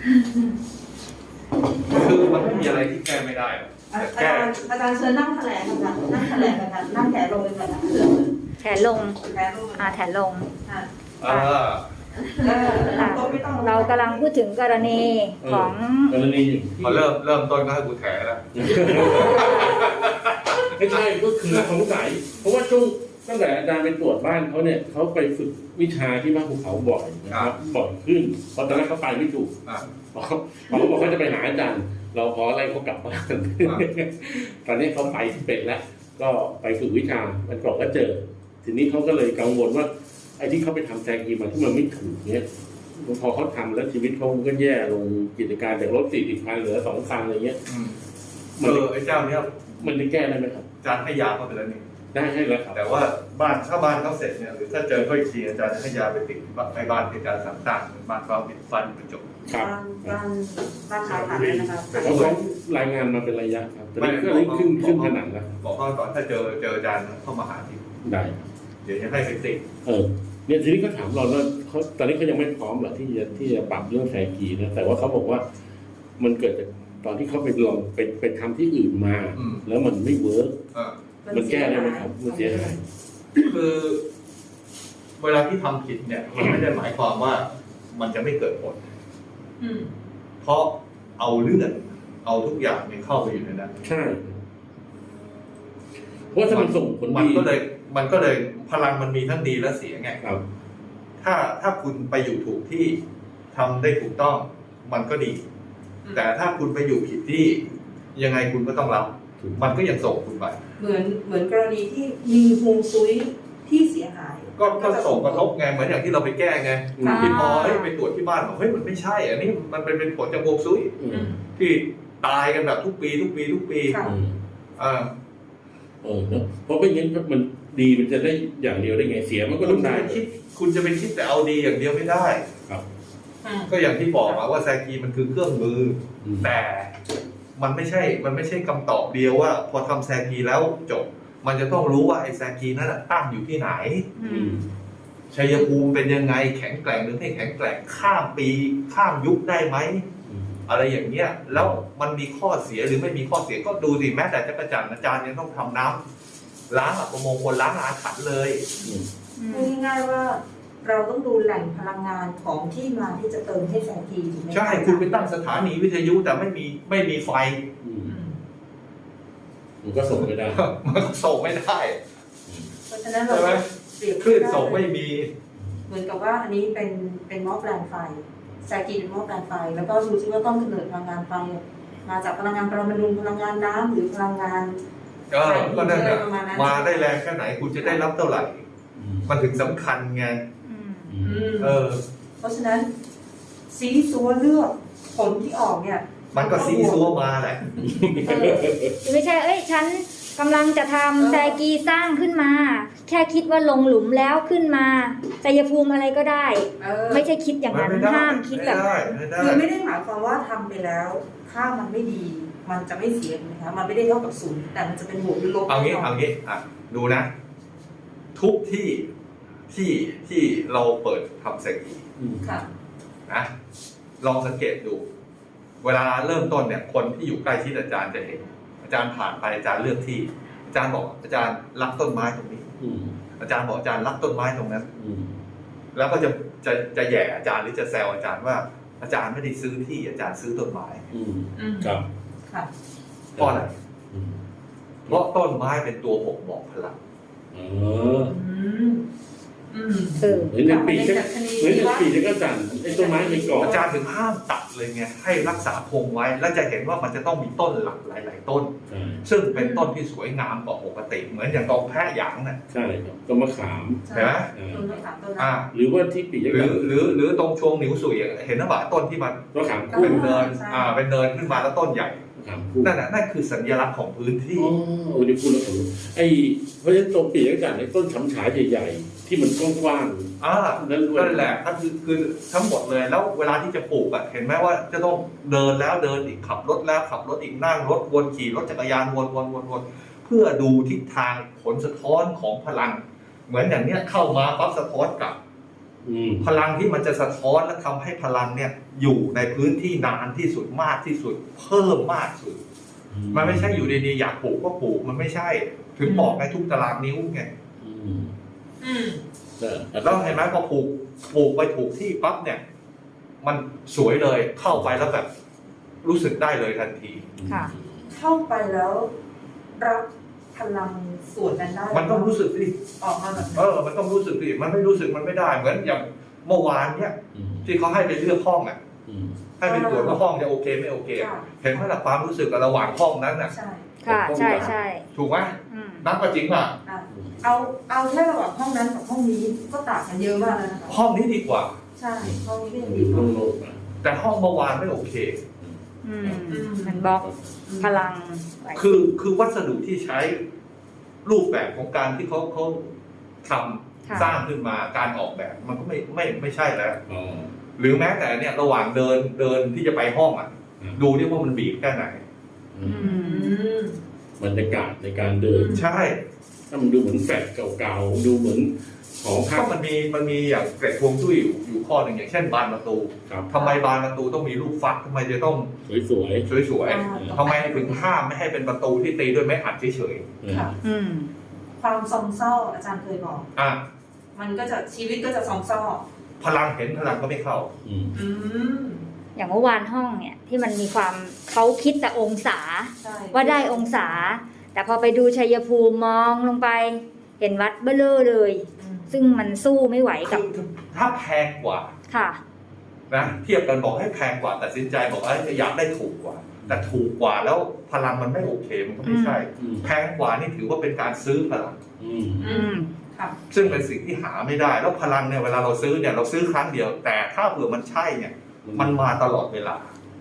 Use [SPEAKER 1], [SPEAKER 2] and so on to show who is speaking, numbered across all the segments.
[SPEAKER 1] คือมันไม่มีอะไรที่แก้ไม่ได้
[SPEAKER 2] อาจารย์เชิญนั่งแถลงกันนั่งแถลงกันนั่งแถลงกันนะ
[SPEAKER 3] แถลงแถลง
[SPEAKER 2] ค่ะ
[SPEAKER 3] เรากำลังพูดถึงกรณีของ
[SPEAKER 4] กรณี
[SPEAKER 1] พอเริ่มต้นก็ให้กูแถแล้ว
[SPEAKER 4] ไม่ใช่ก็คือสงสัยเพราะว่าช่วงตั้งแต่อาจารย์ไปตรวจบ้านเขาเนี่ยเขาไปฝึกวิชาที่บ้านภูเขาบ่อยนะครับบ่อยขึ้นเพราะตอนแรกเขาไปไม่ถูกเขาบอกเขาจะไปหาอาจารย์เราขออะไรเขากลับบ้านตอนนี้เขาไปเป็นแล้วก็ไปฝึกวิชามันก่อนก็เจอทีนี้เขาก็เลยกังวลว่าไอ้ที่เขาไปทำแซกีมาที่มันไม่ถูกเนี่ยพอเขาทำแล้วชีวิตเขาก็แย่ลงกิจการจากรถ40 คันเหลือ2 คันอะไรเงี้ย
[SPEAKER 1] ไอ้เจ้าเนี้ย
[SPEAKER 4] มันจะแก้ได้ไหมครับ
[SPEAKER 1] อาจารย์ให้ยาเข้าไปแล้วนี่
[SPEAKER 4] ได้ให้แล้วครับ
[SPEAKER 1] แต่ว่าถ้าบ้านเขาเสร็จเนี่ยหรือถ้าเจอเขาอีกทีอาจารย์จะให้ยาไปติดในบ้านเป็นการสั่งสร้างบ้านเขาปิดฟันกระจก
[SPEAKER 4] ครับ
[SPEAKER 2] บ้านขายผักนะครับ
[SPEAKER 4] เขารายงานมาเป็นระยะครับแต่นี่ก็ขึ้นขนาดแล้ว
[SPEAKER 1] บอกเขาก่อนถ้าเจออาจารย์เข้ามาหาที่
[SPEAKER 4] ได้
[SPEAKER 1] เดี๋ยวจะให้ไปติด
[SPEAKER 4] เนี่ยทีนี้ก็ถามเราแล้วเขาตอนนี้เขายังไม่พร้อมหรอกที่จะปรับเรื่องแซกีนะแต่ว่าเขาบอกว่ามันเกิดจากตอนที่เขาไปลองไปทำที่อื่นมาแล้วมันไม่เวิร์กมันแก้ได้ไหมครับมันเสียหาย
[SPEAKER 1] คือเวลาที่ทำผิดเนี่ยมันไม่ได้หมายความว่ามันจะไม่เกิดผลเพราะเอาเลือดเอาทุกอย่างเนี่ยเข้าไปอยู่ในนั้น
[SPEAKER 4] ใช่เพราะถ้ามันส่งผล
[SPEAKER 1] มันก็เลยพลังมันมีทั้งดีและเสียไง
[SPEAKER 4] ครับ
[SPEAKER 1] ถ้าคุณไปอยู่ถูกที่ทำได้ถูกต้องมันก็ดีแต่ถ้าคุณไปอยู่ผิดที่ยังไงคุณก็ต้องรับมันก็ยังส่งคุณไป
[SPEAKER 2] เหมือนกรณีที่มีฮวงซุยที่เสียหาย
[SPEAKER 1] ก็ส่งกระทบไงเหมือนอย่างที่เราไปแก้ไงที่พอไปตรวจที่บ้านบอกเฮ้ยมันไม่ใช่อันนี้มันเป็นผลจากฮวงซุยที่ตายกันแบบทุกปี
[SPEAKER 4] เพราะไม่งั้นมันดีมันจะได้อย่างเดียวได้ไงเสียมันก็ต้องได้
[SPEAKER 1] คุณจะไปคิดแต่เอาดีอย่างเดียวไม่ได้
[SPEAKER 4] ครับ
[SPEAKER 1] ก็อย่างที่บอกว่าแซกีมันคือเครื่องมือแต่มันไม่ใช่คำตอบเดียวว่าพอทำแซกีแล้วจบมันจะต้องรู้ว่าไอ้แซกีนั้นตั้งอยู่ที่ไหนชัยภูมิเป็นยังไงแข็งแกร่งหรือไม่แข็งแกร่งข้ามปีข้ามยุคได้ไหมอะไรอย่างเงี้ยแล้วมันมีข้อเสียหรือไม่มีข้อเสียก็ดูสิแม้แต่จักรจันทร์อาจารย์ยังต้องทำน้ำล้างอัปมงคลล้างอาถรรพ์เลย
[SPEAKER 2] ง่ายๆว่าเราต้องดูแหล่งพลังงานของที่มาที่จะเติมให้แซกีถูกไหม
[SPEAKER 1] ใช่คุณไปตั้งสถานีวิทยุแต่ไม่มีไฟ
[SPEAKER 4] มันก็ส่งไม่ได้
[SPEAKER 1] มันก็ส่งไม่ได้
[SPEAKER 2] เพราะฉะนั้นเรา
[SPEAKER 1] เปรียบคลื่นส่งไม่มี
[SPEAKER 2] เหมือนกับว่าอันนี้เป็นหม้อแปลงไฟแซกีเป็นหม้อแปลงไฟแล้วก็ดูซิว่าต้นกำเนิดพลังงานไฟมาจากพลังงานปรมาณูพลังงานน้ำหรือพลังงาน
[SPEAKER 1] ก็นั่นแหละมาได้แรงแค่ไหนคุณจะได้รับเท่าไหร่มันถึงสำคัญไง
[SPEAKER 2] เพราะฉะนั้นซีซัวเลือกผลที่ออกเนี่ย
[SPEAKER 1] มันก็ซีซัวมาแหละ
[SPEAKER 3] ไม่ใช่ฉันกำลังจะทำแซกีสร้างขึ้นมาแค่คิดว่าลงหลุมแล้วขึ้นมาชัยภูมิอะไรก็ได้ไม่ใช่คิดอย่างนั้นห้ามคิดแบบ
[SPEAKER 2] คือไม่ได้หมายความว่าทำไปแล้วถ้ามันไม่ดีมันจะไม่เสียนะคะมันไม่ได้เท่ากับศูนย์แต่มันจะเป็นบวกหรือลบ
[SPEAKER 1] เอางี้ดูนะทุกที่เราเปิดทำแซกีนะลองสังเกตดูเวลาเริ่มต้นเนี่ยคนที่อยู่ใกล้ชิดอาจารย์จะเห็นอาจารย์ผ่านไปอาจารย์เลือกที่อาจารย์บอกอาจารย์รักต้นไม้ตรงนี้อาจารย์บอกอาจารย์รักต้นไม้ตรงนั้นแล้วก็จะแย่อาจารย์หรือจะแซวอาจารย์ว่าอาจารย์ไม่ได้ซื้อที่อาจารย์ซื้อต้นไม้
[SPEAKER 4] ครับ
[SPEAKER 1] เพราะอะไรเพราะต้นไม้เป็นตัวบ่งบอกพลัง
[SPEAKER 4] เหมือนในปีจะก็จันไอ้ต้นไม้ในกรอบ
[SPEAKER 1] อาจารย์ถึงห้ามตัดเลยไงให้รักษาคงไว้แล้วจะเห็นว่ามันจะต้องมีต้นหลักหลายๆต้นซึ่งเป็นต้นที่สวยงามกว่าปกติเหมือนอย่างตองแพะหยางน่ะ
[SPEAKER 4] ใช่ครับต้นมะขาม
[SPEAKER 1] ใช่ไหม
[SPEAKER 4] หรือว่าที่ปีจะ
[SPEAKER 1] หรือตรงช่วงนิ้วสุยเห็นนะว่าต้นที่มัน
[SPEAKER 4] มะขาม
[SPEAKER 1] เป็นเนินเป็นเนินขึ้นมาแล้วต้นใหญ่นั่นคือสัญลักษณ์ของพื้นที่
[SPEAKER 4] วันนี้พูดแล้วผมเพราะฉะนั้นตรงปีกจันในต้นฉำฉายใหญ่ๆที่มันกว้าง
[SPEAKER 1] นั่นแหละก็คือทั้งหมดเลยแล้วเวลาที่จะปลูกเห็นไหมว่าจะต้องเดินแล้วเดินอีกขับรถแล้วขับรถอีกนั่งรถวนขี่รถจักรยานวนเพื่อดูทิศทางผลสะท้อนของพลังเหมือนอย่างเนี้ยเข้ามาปั๊บสะท้อนกลับพลังที่มันจะสะท้อนและทำให้พลังเนี่ยอยู่ในพื้นที่นานที่สุดมากที่สุดเพิ่มมากสุดมันไม่ใช่อยู่ดีๆอยากปลูกก็ปลูกมันไม่ใช่ถึงบอกไงทุกตารางนิ้วไงแล้วเห็นไหมพอปลูกไปถูกที่ปั๊บเนี่ยมันสวยเลยเข้าไปแล้วแบบรู้สึกได้เลยทันที
[SPEAKER 3] ค่ะ
[SPEAKER 2] เข้าไปแล้วรับพลังส่วนนั้นได้
[SPEAKER 1] มันต้องรู้สึกสิ
[SPEAKER 2] ออกมาแบบ
[SPEAKER 1] มันต้องรู้สึกสิมันไม่รู้สึกมันไม่ได้เหมือนอย่างเมื่อวานเนี่ยที่เขาให้ไปเลือกห้องอ่ะให้ไปตรวจว่าห้องจะโอเคไม่โอเคเห็นไหมล่ะความรู้สึกระหว่างห้องนั้นน่ะ
[SPEAKER 2] ใช่
[SPEAKER 3] ค่ะใช่ใช่
[SPEAKER 1] ถูกไหมนับก็จริงป่ะ
[SPEAKER 2] เอาแค่ระหว่างห้องนั้นกับห้องนี้ก็ต่างกันเยอะมากเลยนะคะ
[SPEAKER 1] ห้องนี้ดีกว่า
[SPEAKER 2] ใช่ห้องนี้ก็ยังดีกว่า
[SPEAKER 1] แต่ห้องเมื่อวานไม่โอเค
[SPEAKER 3] มันบล็อกพลังไว้
[SPEAKER 1] คือวัสดุที่ใช้รูปแบบของการที่เขาทำสร้างขึ้นมาการออกแบบมันก็ไม่ใช่แล้วหรือแม้แต่เนี่ยระหว่างเดินที่จะไปห้องอ่ะดูที่ว่ามันบีบแค่ไหน
[SPEAKER 4] บรรยากาศในการเดิน
[SPEAKER 1] ใช่
[SPEAKER 4] ถ้ามันดูเหมือนแฟลตเก่าๆดูเหมือนหอพั
[SPEAKER 1] ก็
[SPEAKER 4] ก
[SPEAKER 1] มันมีอย่างเกร็ดฮวงจุ้ยอยู่ข้อหนึ่งอย่างเช่นบานประตู
[SPEAKER 4] ครับ
[SPEAKER 1] ทำไมบานประตูต้องมีลูกฟักทำไมจะต้อง
[SPEAKER 4] สวย
[SPEAKER 1] สวยๆทำไมถึงห้ามไม่ให้เป็นประตูที่ตีด้วยไม้อัดเฉย
[SPEAKER 2] ค่ะ ความซองเศร้าอาจารย์เคยบอก
[SPEAKER 1] ๆอ่ะ
[SPEAKER 2] มันก็จะชีวิตก็จะซองเศร้า
[SPEAKER 1] พลังเห็นพลังก็ไม่เข้า
[SPEAKER 3] อย่างเมื่อวานห้องเนี่ยที่มันมีความเขาคิดแต่องศา
[SPEAKER 2] ใช่
[SPEAKER 3] ว่าได้องศา แต่พอไปดูชัยภูมิมองลงไป เห็นวัดเบ้อเร่อเลย ซึ่งมันสู้ไม่ไหวกับ
[SPEAKER 1] ถ้าแพงกว่า
[SPEAKER 3] ค่ะ
[SPEAKER 1] นะเทียบกันบอกให้แพงกว่าตัดสินใจบอกอยากได้ถูกกว่า แต่ถูกกว่าแล้วพลังมันไม่โอเคมันก็ไม่ใช่ แพงกว่านี่ถือว่าเป็นการซื้อพลัง
[SPEAKER 2] ค่ะ
[SPEAKER 1] ซึ่งเป็นสิ่งที่หาไม่ได้แล้วพลังเนี่ยเวลาเราซื้อเนี่ยเราซื้อครั้งเดียว แต่ถ้าเผื่อมันใช่เนี่ยมันมาตลอดเวลา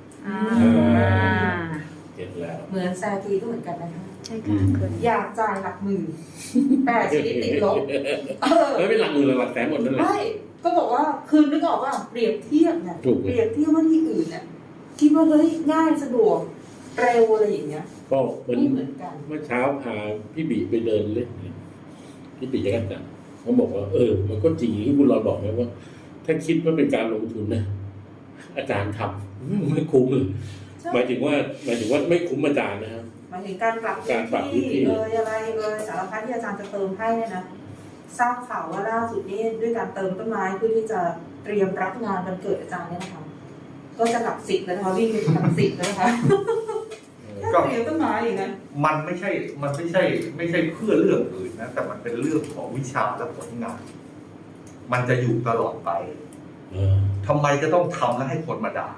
[SPEAKER 4] เห็นแล้ว
[SPEAKER 2] เหมือนแซกีก็เหมือนกันนะคะ
[SPEAKER 3] ใช่ค่ะเคย
[SPEAKER 2] อยากจ่ายหลักหมื่นแต่ชีวิตติดลบ
[SPEAKER 4] เป็นหลักหมื่นหรือหลักแสนหมดนั่นแหละ
[SPEAKER 2] ไม่ก็บอกว่าคือนึกออกว่าเปรียบเทียบเนี่ย
[SPEAKER 4] ถูก
[SPEAKER 2] เปรียบเทียบว่าที่อื่นเนี่ยคิดว่าเฮ้ยง่ายสะดวกเร็วอะไรอย่างเงี้ย
[SPEAKER 4] ก็เหมือน
[SPEAKER 2] ไม่เหมือนกัน
[SPEAKER 4] เมื่อเช้าพาพี่บีไปเดินเล่นพี่บีจะกันจังเขาบอกว่ามันก็จริงที่คุณรอนบอกนะว่า ถ้าคิดว่าเป็นการลงทุนนะอาจารย์ทำไม่คุ้มเลยหมายถึงว่าไม่คุ้มอาจารย์นะครับ
[SPEAKER 2] หมายถึงการปรับ
[SPEAKER 4] การปรับพื้
[SPEAKER 2] พื้
[SPEAKER 4] น
[SPEAKER 2] น
[SPEAKER 4] ที่
[SPEAKER 2] ที่อะไรสารพัดที่อาจารย์จะเติมให้เนี่ยนะทราบข่าวว่าล่าสุดนี้ด้วยการเติมต้นไม้เพื่อที่จะเตรียมรับงานวันเกิดอาจารย์เนี่ยนะคะก็จะหลัก10เลยนะคะวิ่งไปหลัก10เลยนะคะแค่เตรียมต้นไม้อย่างนั้น
[SPEAKER 1] มันไม่ใช่เพื่อเรื่องอื่นนะแต่มันเป็นเรื่องของวิชาและผลงาน มันจะอยู่ตลอดไปทำไมจะต้องทำแล้วให้คนมาด่า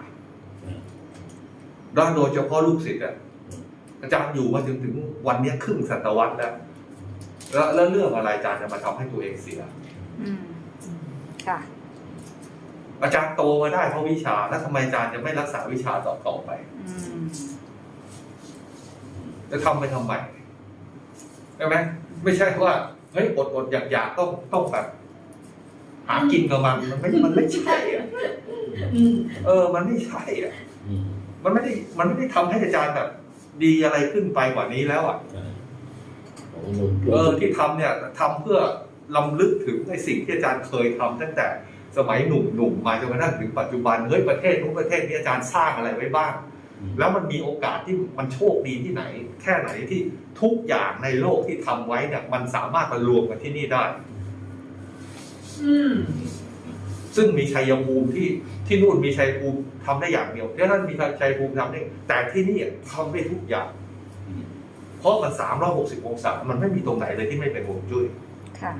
[SPEAKER 1] แล้วโดยเฉพาะลูกศิษย์อาจารย์อยู่มาถึงวันนี้ครึ่งศตวรรษแล้วเรื่องอะไรอาจารย์จะมาทำให้ตัวเองเสีย
[SPEAKER 3] ค่ะ
[SPEAKER 1] อาจารย์โตมาได้เพราะวิชาแล้วทำไมอาจารย์จะไม่รักษาวิชาต่อไปจะทำไปทำไมใช่ไหมไม่ใช่ว่าเฮ้ยอดอยากต้องแบบหากินกับมันไม่ใช่อ่ะมันไม่ใช่อ่ะมันไม่ได้ทำให้อาจารย์แบบดีอะไรขึ้นไปกว่านี้แล้วอ่ะที่ทำเนี่ยทำเพื่อรำลึกถึงในสิ่งที่อาจารย์เคยทำตั้งแต่สมัยหนุ่มมาจนกระทั่งถึงปัจจุบันเฮ้ยประเทศนู้นประเทศนี้อาจารย์สร้างอะไรไว้บ้างแล้วมันมีโอกาสที่มันโชคดีที่ไหน แค่ไหนที่ทุกอย่างในโลกที่ทำไว้เนี่ยมันสามารถมารวมกันที่นี่ได้ซึ่งมีชัยภูมิที่นู่นมีชัยภูมิทำได้อย่างเดียวที่นั่นมีชัยภูมิทำได้แต่ที่นี่ทำได้ทุกอย่างเพราะมัน360องศามันไม่มีตรงไหนเลยที่ไม่เป็นฮวงจุ้ย
[SPEAKER 3] ค่ะ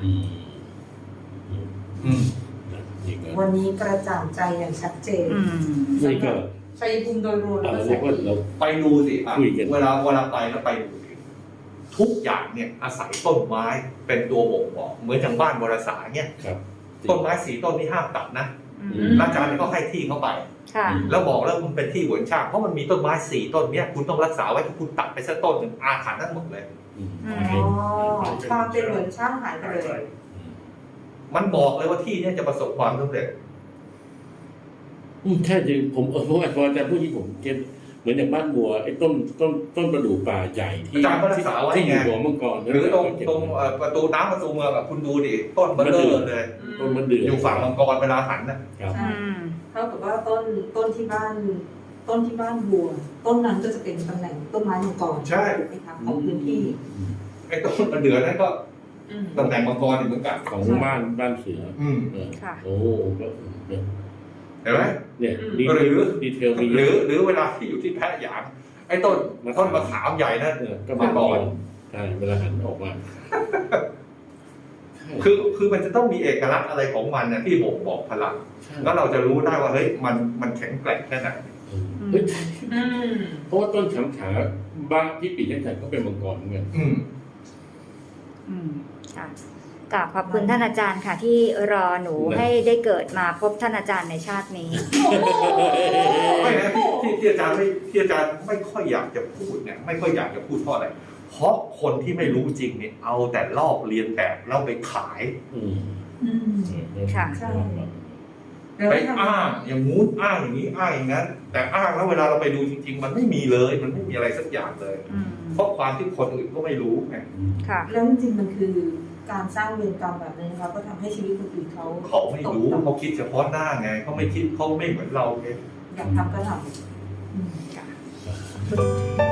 [SPEAKER 2] วันนี้กระจ่างใจอย่างชัดเจน
[SPEAKER 4] นี่ก็
[SPEAKER 2] ชัยภูมิโดยรวมแล้วก็แสง
[SPEAKER 1] ไปดูสิเวลาไปแล้วไปดูทุกอย่างเนี่ยอาศัยต้นไม้เป็นตัวบ่งบอกเหมือนอย่างบ้านวรสารเนี่ยต้นไม้4ต้นที่ห้ามตัดนะอาจารย์ก็ให้ที่เขาไปแล้วบอกแล้วมันเป็นที่หวนช่างเพราะมันมีต้นไม้4ต้นเนี่ยคุณต้องรักษาไว้ถ้าคุณตัดไปสักต้นหนึ่งอาถรรพ์ทั้งหมดเลย
[SPEAKER 2] ความเป็นหวนช่างหายไปเลย
[SPEAKER 1] มันบอกเลยว่าที่เนี่ยจะประสบความสำเร็จ
[SPEAKER 4] แค่จริงผมเพราะอาจารย์พูดที่ผมเก็ตเหมือนอย่างบ้านบัวไอ้ต้นประดู่ป่าใหญ่ที่
[SPEAKER 1] อาจารย์ก็รักษาไว้
[SPEAKER 4] ที่อ
[SPEAKER 1] ไง
[SPEAKER 4] ยู่หัวมังกร
[SPEAKER 1] หรือตรงประตูน้ำประตูเมืองอะคุณดูดิต้นเบลเลอร์เลย
[SPEAKER 4] ต้นมันเดือด
[SPEAKER 1] อยู่ฝั่งมังกรเวลาหันน่ะ
[SPEAKER 4] ครับ
[SPEAKER 2] ใช่เท่ากับว่าต้นที่บ้านบัว ต้นนั้นก็จะเป็นตำแหน่งต้นไม้มังกร
[SPEAKER 1] ใช่
[SPEAKER 2] ถูกไหมคะของพื้นที่
[SPEAKER 1] ไอ้ต้นมันเดือดนั่นก็
[SPEAKER 2] อืม
[SPEAKER 1] ตำแหน่งมังกรอีกเหมือนกัน
[SPEAKER 4] ของบ้านเสือ เออ
[SPEAKER 3] ค่ะ
[SPEAKER 4] โอ้ก็เนี่ย
[SPEAKER 1] เห็นไหม
[SPEAKER 4] เนี่ย
[SPEAKER 1] หรือ
[SPEAKER 4] ดีเทลมี
[SPEAKER 1] หรือเวลาที่อยู่ที่แพะหยางไอ้ต้นมะขามใหญ่นั่น
[SPEAKER 4] ก็
[SPEAKER 1] มั
[SPEAKER 4] มาง
[SPEAKER 1] ก
[SPEAKER 4] ก่อ
[SPEAKER 1] ร
[SPEAKER 4] นใช่เวลาหันออกมา
[SPEAKER 1] คือมันจะต้องมีเอกลักษณ์อะไรของมันนะที่บ่งบอกพลังแล้วเราจะรู้ได้ว่าเฮ้ยมันแข็งแกร่งแค่ไหน
[SPEAKER 4] เฮ้ย
[SPEAKER 2] อืม
[SPEAKER 4] เพราะว่าต้นฉำฉาบ้านที่ปีนักจันก็เป็นมังกรเหมือนกัน
[SPEAKER 3] ค่ะกราบขอบคุณท่านอาจารย์ค่ะ ที่รอหนูให้ได้เกิดมาพบท่านอาจารย์ในชาตินี้
[SPEAKER 1] ไม่นะที่อาจารย์ไม่ค่อยอยากจะพูดเนี่ยไม่ค่อยอยากจะพูดเพราะอะไรเพราะคนที่ไม่รู้จริงเนี่ยเอาแต่ลอกเรียนแบบแล้วไปขาย
[SPEAKER 4] อืม
[SPEAKER 2] อืม
[SPEAKER 3] ค่ะ
[SPEAKER 2] ใช่
[SPEAKER 1] ไปอ้างอย่างงู้นอ้างอย่างนี้อ้างอย่างนั้นแต่อ้างแล้วเวลาเราไปดูจริง ๆ มันไม่มีเลยมันไม่มีอะไรสักอย่างเลย เพราะความที่คนอื่นก็ไม่รู้ไง
[SPEAKER 3] ค่ะ
[SPEAKER 2] แล้วจริงๆมันคือการสร้างเวรกรรมแบบนี้นะคะก็ทำให้ชีวิตคนอื่นเขา
[SPEAKER 1] เขาไม่รู้เขาคิดเฉพาะหน้าไงเขาไม่คิดเขาไม่เหมือนเราไง
[SPEAKER 2] อยากทำก็ทำ
[SPEAKER 3] ค่ะ